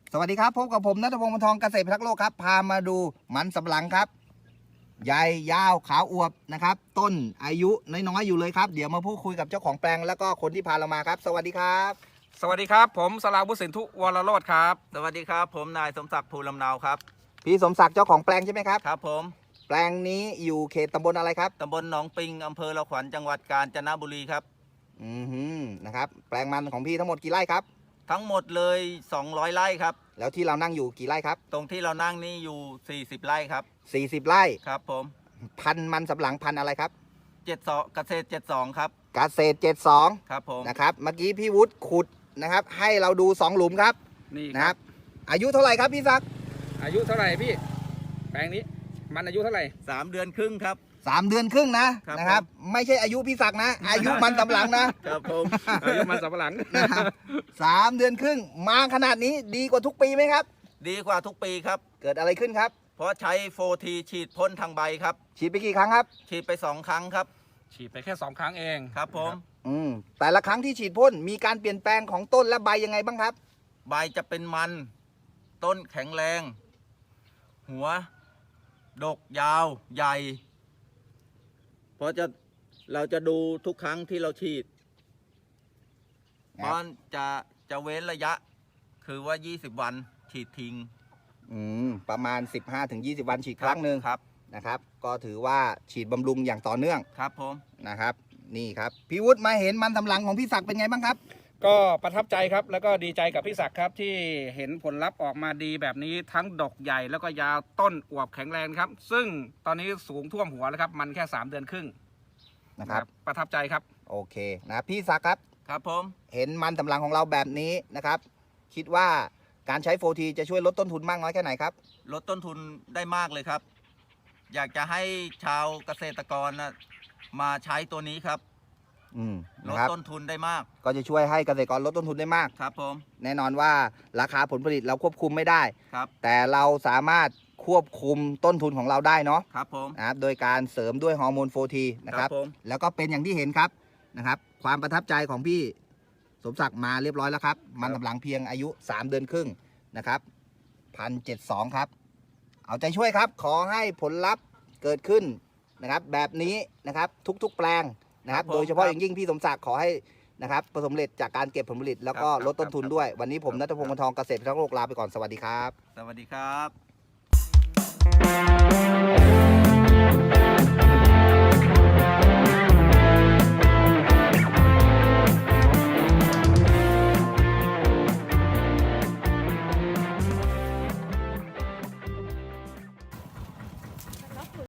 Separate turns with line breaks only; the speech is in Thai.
สวัสดีครับพบกับผมณัฐพงศ์ วงศ์ทองเกษตรพิทักษ์โลกครับพามาดูมันสำปะหลังครับใหญ่ยาวขาวอวบนะครับต้นอายุน้อยๆอยู่เลยครับเดี๋ยวมาพูดคุยกับเจ้าของแปลงแล้วก็คนที่พาเรามาครับสวัสดีครับ
สวัสดีครับผมสราวุฒิสินธุวรโรจน์ครับ
สวัสดีครับผมนายสมศักดิ์ภูลำเนาครับ
พี่สมศักดิ์เจ้าของแปลงใช่ไหมครับ
ครับผม
แปลงนี้อยู่เขตตำบลอะไรครับ
ตำบลหนองปิงอำเภอละขวัญจังหวัดกาญจนบุรีครับ
นะครับแปลงมันของพี่ทั้งหมดกี่ไร่ครับ
ทั้งหมดเลย200ไร่ครับ
แล้วที่เรานั่งอยู่กี่ไร่ครับ
ตรงที่เรานั่งนี่อยู่40ไร่ครับ
40ไร่
ครับผม
พันธุ์มันสำปะหลังพันธุ์อะไรครับ
72เกษตร72ครับ
เกษตร72
ครับผม
นะครับเมื่อกี้พี่วุฒิขุดนะครับให้เราดู2หลุมครับ
นี่
นะครับอายุเท่าไหร่ครับพี่ศักดิ์
อายุเท่าไหร่พี่แปลงนี้มันอายุเท่าไหร่
3 เดือนครึ่งครับ
3 เดือนครึ่งนะครับไม่ใช่อายุพี่ศักดิ์นะ อายุมันสำปะหลังนะครับ
ผม
อายุมันสำปะหลัง
นะครับ3 เดือนครึ่งมาขนาดนี้ดีกว่าทุกปีไหมครับ
ดีกว่าทุกปีครับ
เกิดอะไรขึ้นครับ
เพราะใช้โฟทีฉีดพ่นทางใบครับ
ฉีดไปกี่ครั้งครับ
ฉีดไป2 ครั้งครับ
ฉีดไปแค่2 ครั้งเอง
ครับผม
แต่ละครั้งที่ฉีดพ่นมีการเปลี่ยนแปลงของต้นและใบยังไงบ้างครับ
ใบจะเป็นมันต้นแข็งแรง หัว ดกยาวใหญ่ เพราะเราจะดูทุกครั้งที่เราฉีด
ครับ
เพราะจะเว้นระยะ คือว่า20 วันฉีดทิ้ง
ประมาณ 15-20 วันฉีดครั้งหนึ่ง
ครับ
นะครับก็ถือว่าฉีดบำรุงอย่างต่อเนื่อง
ครับผม
นะครับนี่ครับพี่วุฒิมาเห็นมันสำปะหลังของพี่ศักดิ์เป็นไงบ้างครับ
ก็ประทับใจครับแล้วก็ดีใจกับพี่ศักดิ์ครับที่เห็นผลลัพธ์ออกมาดีแบบนี้ทั้งดกใหญ่แล้วก็ยาวต้นอวบแข็งแรงครับซึ่งตอนนี้สูงท่วมหัวแล้วครับมันแค่3 เดือนครึ่ง
นะครับ
ประทับใจครับ
โอเคนะพี่ศักดิ์ครับ
ครับผม
เห็นมันสำปะหลังของเราแบบนี้นะครับคิดว่าการใช้โฟทีจะช่วยลดต้นทุนมากน้อยแค่ไหนครับ
ลดต้นทุนได้มากเลยครับ อยากจะให้ชาวเกษตรกรมาใช้ตัวนี้ครับ ล
นะ
ด
ครับ
ต้นทุนได้มาก
ก็จะช่วยให้เกษตรกรลดต้นทุนได้มาก
ครับผม
แน่นอนว่าราคาผลผลิตเราควบคุมไม่ได้
ครับ
แต่เราสามารถควบคุมต้นทุนของเราได้เนาะ
ครับผม
นะครับโดยการเสริมด้วยฮอร์โมนโฟทีนะครับ
ครับผม
แล้วก็เป็นอย่างที่เห็นครับนะครับ ความประทับใจของพี่สมศักดิ์มาเรียบร้อยแล้วครับ มันสำปะหลังเพียงอายุ 3 เดือนครึ่งนะครับ1,072ครับ เอาใจช่วยครับ ขอให้ผลลัพธ์เกิดขึ้นนะครับ แบบนี้นะครับทุกๆแปลงนะครับ
ครับผม
โดยเฉพาะอย่างยิ่งพี่สมศักดิ์ขอให้นะครับประสบความสำเร็จจากการเก็บผลผลิต แล้วก็
ครับ
ลดต้นทุน
ครับ
ด้วย วันนี้ผม
ครับ
ณัฐพงศ์ วงศ์ทองเกษตรพิทักษ์โลกลาไปก่อนสวัสดีครับ
สวัสดีครับ